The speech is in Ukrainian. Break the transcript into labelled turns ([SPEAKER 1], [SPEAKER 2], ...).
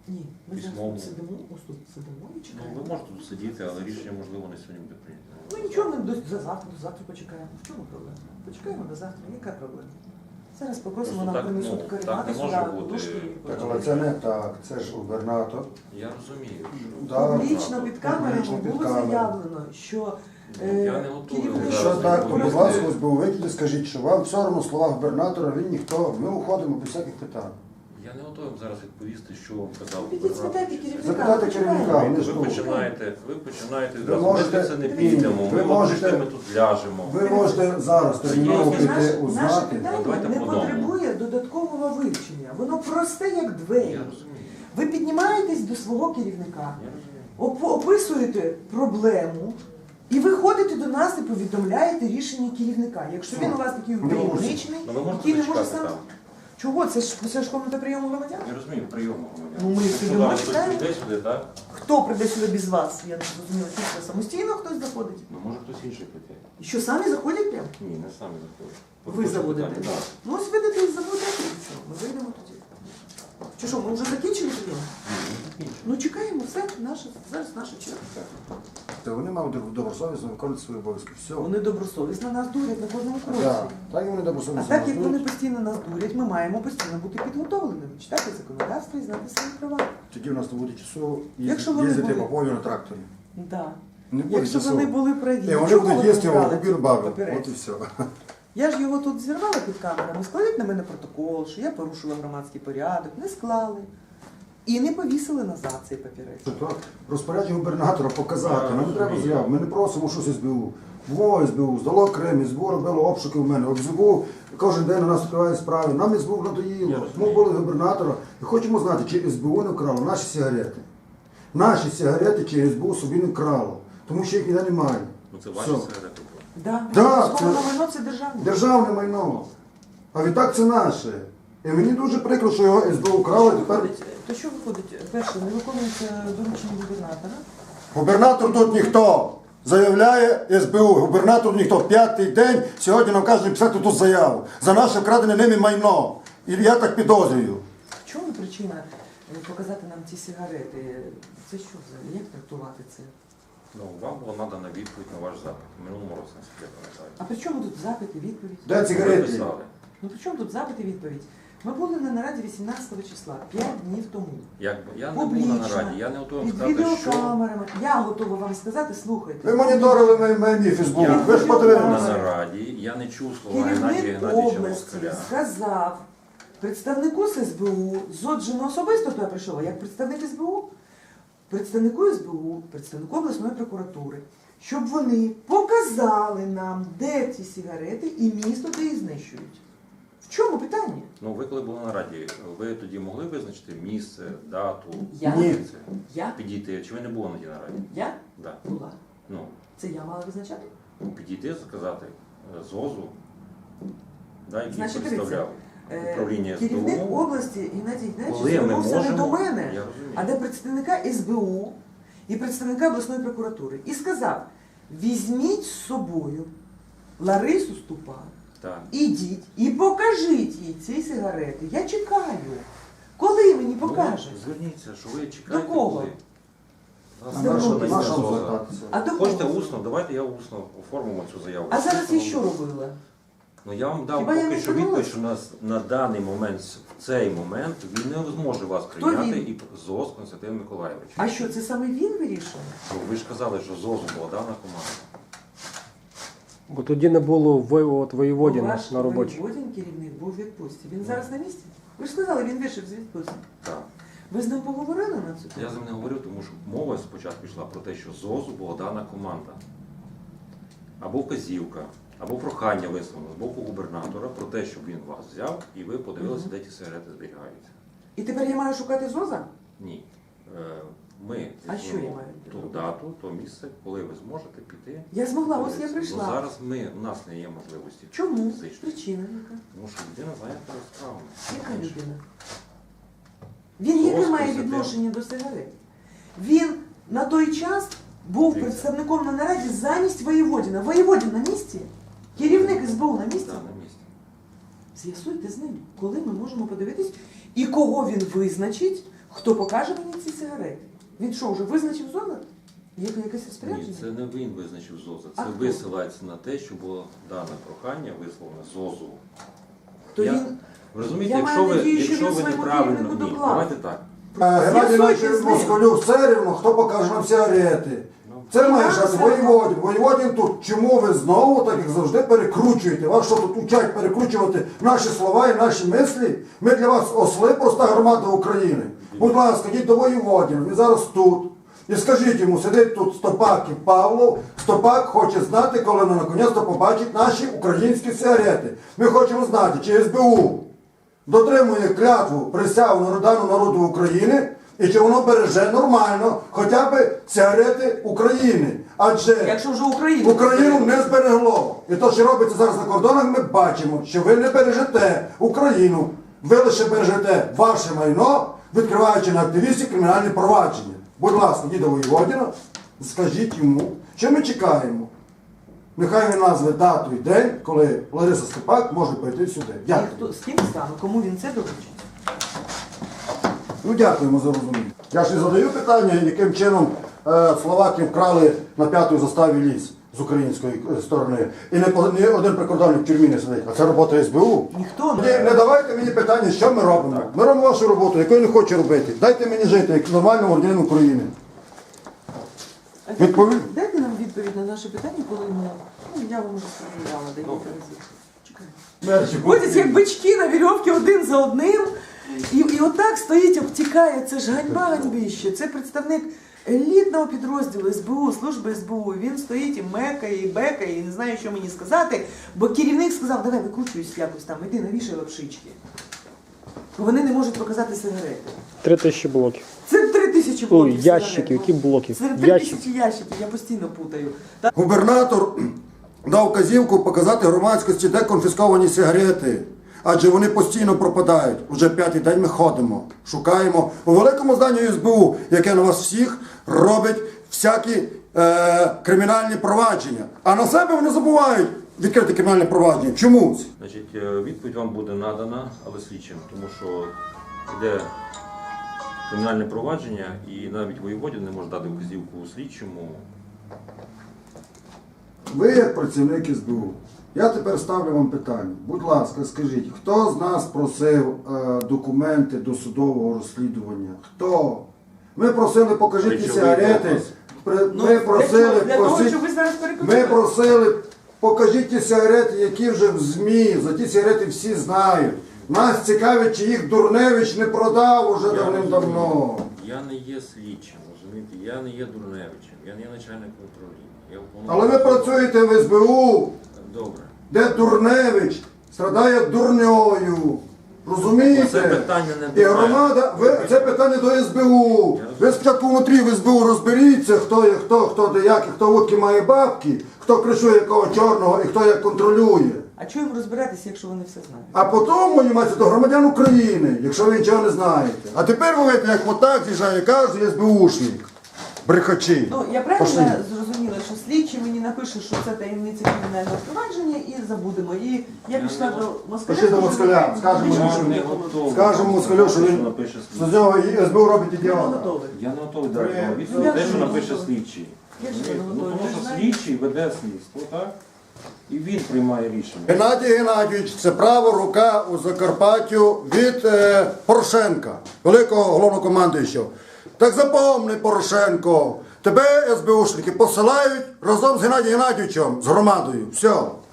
[SPEAKER 1] Ні, ми зараз
[SPEAKER 2] Письмово.
[SPEAKER 1] тут сидимо, ось тут сидимо і
[SPEAKER 2] Ну,
[SPEAKER 1] чекаємо.
[SPEAKER 2] ви можете тут сидіти, але рішення, можливо, не сьогодні буде прийнято.
[SPEAKER 1] Ну нічого, ми до завтра почекаємо. В чому проблема? Почекаємо до завтра, яка проблема? Зараз попросимо
[SPEAKER 2] Просто
[SPEAKER 1] нам
[SPEAKER 2] так,
[SPEAKER 1] принесуть
[SPEAKER 2] ну,
[SPEAKER 1] каремати
[SPEAKER 2] так не
[SPEAKER 1] сюди,
[SPEAKER 2] може бути.
[SPEAKER 1] подушки.
[SPEAKER 3] Так, але це не так, це ж губернатор.
[SPEAKER 2] Я розумію.
[SPEAKER 3] Да.
[SPEAKER 1] Публічно під камерами
[SPEAKER 3] Публічно під
[SPEAKER 1] було
[SPEAKER 3] камерами.
[SPEAKER 1] заявлено, що
[SPEAKER 2] Я не готовий
[SPEAKER 1] керівник-
[SPEAKER 2] зараз
[SPEAKER 3] Якщо так, то будь
[SPEAKER 2] відповісти.
[SPEAKER 3] ласка, ось був виклик, скажіть, що вам все одно слова губернатора, він ніхто, ми уходимо без всяких питань.
[SPEAKER 2] Я не готовий зараз відповісти, що вам казав
[SPEAKER 1] Підіть,
[SPEAKER 2] губернатор.
[SPEAKER 1] спитайте керівника.
[SPEAKER 3] Запитайте керівника, вони ж
[SPEAKER 2] Ви
[SPEAKER 3] тут.
[SPEAKER 2] починаєте
[SPEAKER 3] Ви
[SPEAKER 2] відразу.
[SPEAKER 3] можете-
[SPEAKER 2] Ми це не підемо,
[SPEAKER 3] ви
[SPEAKER 2] ми
[SPEAKER 3] можете-
[SPEAKER 2] ми тут ляжемо.
[SPEAKER 3] Ви можете зараз терміново
[SPEAKER 2] Є-
[SPEAKER 3] піти
[SPEAKER 1] Наше
[SPEAKER 3] узнати.
[SPEAKER 1] питання
[SPEAKER 2] Давайте
[SPEAKER 1] не
[SPEAKER 2] по одному.
[SPEAKER 1] потребує додаткового вивчення. Воно просте, як
[SPEAKER 2] Я
[SPEAKER 1] двері.
[SPEAKER 2] розумію.
[SPEAKER 1] Ви піднімаєтесь до свого керівника,
[SPEAKER 2] Я розумію.
[SPEAKER 1] описуєте проблему і виходите до нас і повідомляєте рішення керівника. Якщо він у вас такий
[SPEAKER 3] Ну, ви можете.
[SPEAKER 1] таємничний,
[SPEAKER 2] Ну, ви можете
[SPEAKER 1] який не може
[SPEAKER 2] зачекати
[SPEAKER 1] сам.
[SPEAKER 2] там.
[SPEAKER 1] Чого? Це ж комната прийому громадян?
[SPEAKER 2] Я розумію, прийому громадян.
[SPEAKER 1] Ну, ми
[SPEAKER 2] Якщо
[SPEAKER 1] сидимо,
[SPEAKER 2] зараз хтось
[SPEAKER 1] чекаємо.
[SPEAKER 2] прийде сюди, так?
[SPEAKER 1] Хто прийде сюди без вас? Я не зрозуміла, чи це самостійно хтось заходить?
[SPEAKER 2] Ну, може хтось інший прийде.
[SPEAKER 1] І що, самі заходять прямо?
[SPEAKER 2] Ні, не самі заходять.
[SPEAKER 1] Ви
[SPEAKER 2] Хочете
[SPEAKER 1] заводите?
[SPEAKER 2] питання? Так.
[SPEAKER 1] Ну ось видите і заводите, і все. Ми вийдемо тоді. Чи що, ми вже закінчили прийом?
[SPEAKER 2] Ні, не закінчено.
[SPEAKER 1] Ну чекаємо, все, зараз наша черга.
[SPEAKER 3] Вони мають добросовісно виконувати свої обов'язки. Все.
[SPEAKER 1] Вони добросовісно нас дурять на кожному кроці.
[SPEAKER 3] Так, так і вони
[SPEAKER 1] А
[SPEAKER 3] добросовісно.
[SPEAKER 1] так як
[SPEAKER 3] нас
[SPEAKER 1] вони
[SPEAKER 3] дурять.
[SPEAKER 1] постійно нас дурять, ми маємо постійно бути підготовленими, читати законодавство і знати свої права.
[SPEAKER 3] Тоді в нас не буде часу
[SPEAKER 1] Якщо вони
[SPEAKER 3] їздити
[SPEAKER 1] були-
[SPEAKER 3] по полю на тракторі.
[SPEAKER 1] Да.
[SPEAKER 3] Не буде
[SPEAKER 1] Якщо
[SPEAKER 3] часу.
[SPEAKER 1] вони були праві,
[SPEAKER 3] І вони
[SPEAKER 1] чому
[SPEAKER 3] будуть
[SPEAKER 1] ви
[SPEAKER 3] їсти
[SPEAKER 1] брали
[SPEAKER 3] його губір бабу.
[SPEAKER 1] папірець?
[SPEAKER 3] От і все.
[SPEAKER 1] Я ж його тут зірвала під камерами, складуть на мене протокол, що я порушила громадський порядок, не склали. І не повісили назад цей папірець.
[SPEAKER 3] То розпорядження губернатора показати.
[SPEAKER 2] Я
[SPEAKER 3] Нам не треба
[SPEAKER 2] розумію.
[SPEAKER 3] заяв. Ми не просимо щось СБУ. Було СБУ, здало Крим, СБУ робило обшуки в мене. СБУ кожен день на нас відкриває справи. Нам СБУ
[SPEAKER 2] Я
[SPEAKER 3] надоїло.
[SPEAKER 2] розумію.
[SPEAKER 3] Ми були губернатора і хочемо знати, чи СБУ не вкрало наші сигарети. Наші сигарети чи СБУ собі не вкрало. Тому що їх ніде немає.
[SPEAKER 2] Ну це ваші
[SPEAKER 3] Все.
[SPEAKER 2] сигарети були.
[SPEAKER 1] Да,
[SPEAKER 3] Да,
[SPEAKER 1] військове
[SPEAKER 3] це-
[SPEAKER 1] майно це державне.
[SPEAKER 3] Державне майно. А відтак це наше. І мені дуже прикро, що його СБУ вкрало. Тепер
[SPEAKER 1] То що виходить? Перше, не виконується доручення губернатора.
[SPEAKER 3] губернатор тут ніхто. Заявляє СБУ. Губернатор ніхто. П'ятий день сьогодні нам кажуть написати тут заяву. За наше вкрадене ними майно. І я так підозрюю.
[SPEAKER 1] В чому причина показати нам ці сигарети? Це що взагалі? Як трактувати це?
[SPEAKER 2] Ну, вам була надана відповідь на ваш запит. В минулому році, наскільки я пам'ятаю.
[SPEAKER 1] А при чому тут запит і відповідь?
[SPEAKER 3] Де
[SPEAKER 2] Ви
[SPEAKER 3] цигарети?
[SPEAKER 2] писали.
[SPEAKER 1] Ну при чому тут запит і відповідь? Ми були на нараді 18 числа, 5 днів тому.
[SPEAKER 2] Я не був на нараді, я не готовий
[SPEAKER 1] Під
[SPEAKER 2] сказати, що
[SPEAKER 1] відеокамерами. Я готова вам сказати, слухайте.
[SPEAKER 3] Ви моніторили мій Фейсбук.
[SPEAKER 2] я
[SPEAKER 3] Ви ж
[SPEAKER 2] був на
[SPEAKER 3] подивилися.
[SPEAKER 2] нараді, я не чув слова Геннадія
[SPEAKER 1] Керівник
[SPEAKER 2] Геннадійовича
[SPEAKER 1] області
[SPEAKER 2] Москаля.
[SPEAKER 1] сказав представнику СБУ, зоджено особисто туди прийшов, а як представник СБУ, представнику СБУ, представнику обласної прокуратури, щоб вони показали нам, де ці сигарети і місто, де їх знищують. В чому питання?
[SPEAKER 2] Ну, ви коли були на раді, ви тоді могли визначити місце, дату,
[SPEAKER 1] Я?
[SPEAKER 3] Ні.
[SPEAKER 2] це,
[SPEAKER 1] Я?
[SPEAKER 2] підійти, чи ви не були на тій нараді?
[SPEAKER 1] Я
[SPEAKER 2] Да.
[SPEAKER 1] була.
[SPEAKER 2] Ну,
[SPEAKER 1] Це я мала визначати?
[SPEAKER 2] підійти, сказати ЗОЗу, да, який
[SPEAKER 1] Значить,
[SPEAKER 2] представляв управління
[SPEAKER 1] Керівник
[SPEAKER 2] СБУ.
[SPEAKER 1] області Геннадій
[SPEAKER 2] Коли
[SPEAKER 1] Геннадійович
[SPEAKER 2] ми
[SPEAKER 1] звернувся не до
[SPEAKER 2] можемо,
[SPEAKER 1] мене,
[SPEAKER 2] я розумію.
[SPEAKER 1] а до представника СБУ і представника обласної прокуратури. І сказав, візьміть з собою Ларису Ступан,
[SPEAKER 2] Так.
[SPEAKER 1] ідіть і покажіть їй ці сигарети. Я чекаю. Коли мені покаже?
[SPEAKER 2] Ну, зверніться, що ви чекаєте.
[SPEAKER 1] До кого?
[SPEAKER 2] коли.
[SPEAKER 3] А
[SPEAKER 1] Звернутися.
[SPEAKER 3] на що
[SPEAKER 2] Зоза.
[SPEAKER 3] звертатися?
[SPEAKER 1] А до
[SPEAKER 2] Хочете
[SPEAKER 1] кого?
[SPEAKER 2] усно? Давайте я усно оформимо цю заяву.
[SPEAKER 1] А зараз я що робила?
[SPEAKER 2] Ну я вам дав
[SPEAKER 1] Хіба я
[SPEAKER 2] поки
[SPEAKER 1] не
[SPEAKER 2] що
[SPEAKER 1] звернулась?
[SPEAKER 2] відповідь, що нас на даний момент, в цей момент, він не зможе вас
[SPEAKER 1] Хто
[SPEAKER 2] прийняти
[SPEAKER 1] він?
[SPEAKER 2] і ЗОЗ Константин Миколаєвич.
[SPEAKER 1] А що, це саме він вирішує?
[SPEAKER 2] Ну, ви ж казали, що ЗОЗу була дана команда.
[SPEAKER 4] Бо тоді не було воєводіна
[SPEAKER 1] Ваш
[SPEAKER 4] на роботі.
[SPEAKER 1] воєводін керівник був у відпустці. Він зараз на місці? Ви ж сказали, він вийшов з відпустки.
[SPEAKER 2] Так.
[SPEAKER 1] Ви з ним поговорили на цю тему?
[SPEAKER 2] Я з ним не говорив, тому що мова спочатку йшла про те, що ЗОЗу була дана команда. Або вказівка, або прохання висловлено з боку губернатора про те, щоб він вас взяв і ви подивилися, де ті сигарети зберігаються.
[SPEAKER 1] І тепер я маю шукати ЗОЗа?
[SPEAKER 2] Ні. Ми
[SPEAKER 1] А що я
[SPEAKER 2] візьмемо
[SPEAKER 1] маю
[SPEAKER 2] ту
[SPEAKER 1] робити?
[SPEAKER 2] дату, то місце, коли ви зможете піти.
[SPEAKER 1] Я змогла, ось я
[SPEAKER 2] подивитися.
[SPEAKER 1] прийшла.
[SPEAKER 2] Ну, зараз у нас не є можливості.
[SPEAKER 1] Чому?
[SPEAKER 2] фізичної.
[SPEAKER 1] Причина яка?
[SPEAKER 2] Тому що людина зайнята справами.
[SPEAKER 1] Яка людина? Він яке
[SPEAKER 2] Зос
[SPEAKER 1] має
[SPEAKER 2] Константин.
[SPEAKER 1] відношення до сигарет? Він на той час був
[SPEAKER 2] Дивіться.
[SPEAKER 1] представником на нараді замість воєводіна. Воєводін на місці? Керівник СБУ на місці?
[SPEAKER 2] Так, на місці.
[SPEAKER 1] З'ясуйте з ним, коли ми можемо подивитись і кого він визначить, хто покаже мені ці сигарети. Він що, вже визначив зону? Є якесь
[SPEAKER 2] Ні,
[SPEAKER 1] розпорядження?
[SPEAKER 2] це не він визначив ЗОЗа.
[SPEAKER 1] А
[SPEAKER 2] Це
[SPEAKER 1] хто?
[SPEAKER 2] висилається на те, що було дане прохання висловлене ЗОЗу.
[SPEAKER 1] То
[SPEAKER 2] Я-
[SPEAKER 1] він...
[SPEAKER 2] Ви розумієте,
[SPEAKER 1] Я
[SPEAKER 2] якщо
[SPEAKER 1] маю
[SPEAKER 2] ви,
[SPEAKER 1] надію, що
[SPEAKER 2] якщо
[SPEAKER 1] він
[SPEAKER 2] ви
[SPEAKER 1] своєму
[SPEAKER 2] неправильно,
[SPEAKER 1] керівнику
[SPEAKER 2] ні,
[SPEAKER 1] доклав.
[SPEAKER 2] давайте так.
[SPEAKER 3] Геннадій
[SPEAKER 1] З'ясуйте з
[SPEAKER 3] Іванович
[SPEAKER 1] ним.
[SPEAKER 3] Москалю все рівно, хто покаже нам сигарети. Це має шанс воєводін. Воєводін тут. Чому ви знову, так як завжди, перекручуєте? Вас що тут учать перекручувати наші слова і наші мислі? Ми для вас осли, проста громада України. Будь ласка, йдіть до воєводіна, він зараз тут. І скажіть йому, сидить тут Стопак і Павлов. Стопак хоче знати, коли він наконець-то побачить наші українські сигарети. Ми хочемо знати, чи СБУ дотримує клятву присягу народу народу України, і чи воно береже нормально хоча б сигарети України. Адже
[SPEAKER 1] Якщо вже Україну...
[SPEAKER 3] Україну не зберегло. І то, що робиться зараз на кордонах, ми бачимо, що ви не бережете Україну. Ви лише бережете ваше майно, відкриваючи на активістів кримінальні провадження. Будь ласка, йдіть до Воєводіна, скажіть йому, що ми чекаємо. Нехай він назве дату і день, коли Лариса Степак може прийти сюди.
[SPEAKER 1] І
[SPEAKER 3] Дякую.
[SPEAKER 1] хто, з ким стану, кому він це доручить?
[SPEAKER 3] Ну, дякуємо за розуміння. Я ж не задаю питання, яким чином словаки вкрали на 5-й заставі ліс з української сторони. І не один прикордонник в тюрмі не сидить, а це робота СБУ.
[SPEAKER 1] Ніхто
[SPEAKER 3] Не давайте мені питання, що ми робимо. Ми робимо вашу роботу, яку я не хочу робити. Дайте мені жити, як нормальному громадянину України. Відповідь?
[SPEAKER 1] Дайте нам відповідь на наше питання, коли ми... Ну, я вам вже сказала декілька разів. Чекаємо. Ходять як бички на вірьовці один за одним, і отак стоїть, обтікає. Це ж ганьба ганьбіще. Це представник елітного підрозділу СБУ, служби СБУ. Він стоїть і мекає, і бекає, і не знає, що мені сказати, бо керівник сказав, давай викручуйся якось там, іди навішай лапшички. Вони не можуть показати сигарети.
[SPEAKER 4] 3000 блоків.
[SPEAKER 1] Це 3000 блоків
[SPEAKER 4] Ой, ящики,
[SPEAKER 1] сигарет.
[SPEAKER 4] які блоки?
[SPEAKER 1] Це
[SPEAKER 4] Ящики.
[SPEAKER 1] 3000 ящиків, я постійно путаю. Та-
[SPEAKER 3] Губернатор дав вказівку показати громадськості, де конфісковані сигарети. Адже вони постійно пропадають. Уже 5-й день ми ходимо, шукаємо у великому зданні СБУ, яке на вас всіх робить всякі кримінальні провадження. А на себе вони забувають відкрити кримінальне провадження. Чомусь.
[SPEAKER 2] Значить, відповідь вам буде надана, але слідчим, тому що йде кримінальне провадження, і навіть воєводін не може дати вказівку слідчому.
[SPEAKER 3] Ви як працівник СБУ. Я тепер ставлю вам питання. Будь ласка, скажіть, хто з нас просив документи до судового розслідування? Хто? Ми просили, покажіть ті
[SPEAKER 2] Речовий
[SPEAKER 3] сигарети.
[SPEAKER 2] доказ.
[SPEAKER 3] Ми просили,
[SPEAKER 1] для того,
[SPEAKER 3] просіть-
[SPEAKER 1] щоб ви зараз
[SPEAKER 3] ми
[SPEAKER 1] перекрутили.
[SPEAKER 3] просили, покажіть ті сигарети, які вже в ЗМІ. За ті сигарети всі знають. Нас цікавить, чи їх Дурневич не продав уже давним-давно.
[SPEAKER 2] Я не є слідчим, розумієте? Я не є Дурневичем, я не є начальником управління. Я
[SPEAKER 3] Але ви працюєте в СБУ,
[SPEAKER 2] Добре.
[SPEAKER 3] де Дурневич страдає дурньою. Розумієте?
[SPEAKER 2] Це питання не до
[SPEAKER 3] І
[SPEAKER 2] мене.
[SPEAKER 3] громада, це питання до СБУ. Ви спочатку внутрі в СБУ розберіться, хто є хто де як, і хто водки має бабки, хто кришує якого чорного і хто як контролює.
[SPEAKER 1] А чого їм розбиратися, якщо вони все знають?
[SPEAKER 3] А потім манімається до громадян України, якщо ви нічого не знаєте. А тепер ви видите, як отак з'їжджає кожен СБУшник. Брехачі.
[SPEAKER 1] Ну, я правильно
[SPEAKER 3] Пошли.
[SPEAKER 1] зрозуміла, що слідчий мені напише, що це таємниця кримінального провадження і забудемо. І я пішла до москаля.
[SPEAKER 3] Пішли до москаля, скажемо йому,
[SPEAKER 2] Я
[SPEAKER 3] що
[SPEAKER 2] не готовий.
[SPEAKER 3] скажемо москалю, що він
[SPEAKER 2] напише
[SPEAKER 3] з
[SPEAKER 2] слідчий.
[SPEAKER 3] нього СБУ робить
[SPEAKER 1] Я не
[SPEAKER 3] ідіота.
[SPEAKER 1] готовий.
[SPEAKER 2] Я не готовий дати
[SPEAKER 3] Ви-
[SPEAKER 2] вам відповідь,
[SPEAKER 1] Я
[SPEAKER 2] те,
[SPEAKER 1] ж
[SPEAKER 2] що
[SPEAKER 1] не
[SPEAKER 2] напише
[SPEAKER 1] готовий.
[SPEAKER 2] слідчий.
[SPEAKER 1] Я ж не
[SPEAKER 2] Ну,
[SPEAKER 1] готовий.
[SPEAKER 2] тому
[SPEAKER 1] Ви
[SPEAKER 2] що
[SPEAKER 1] знаєте?
[SPEAKER 2] слідчий веде слідство, так? І він приймає рішення.
[SPEAKER 3] Геннадій Геннадійович, це права рука у Закарпаттю від Порошенка, великого головнокомандуючого. Так запомни, Порошенко, тебе СБУшники посилають разом з Геннадієм Геннадійовичем, з громадою. Все.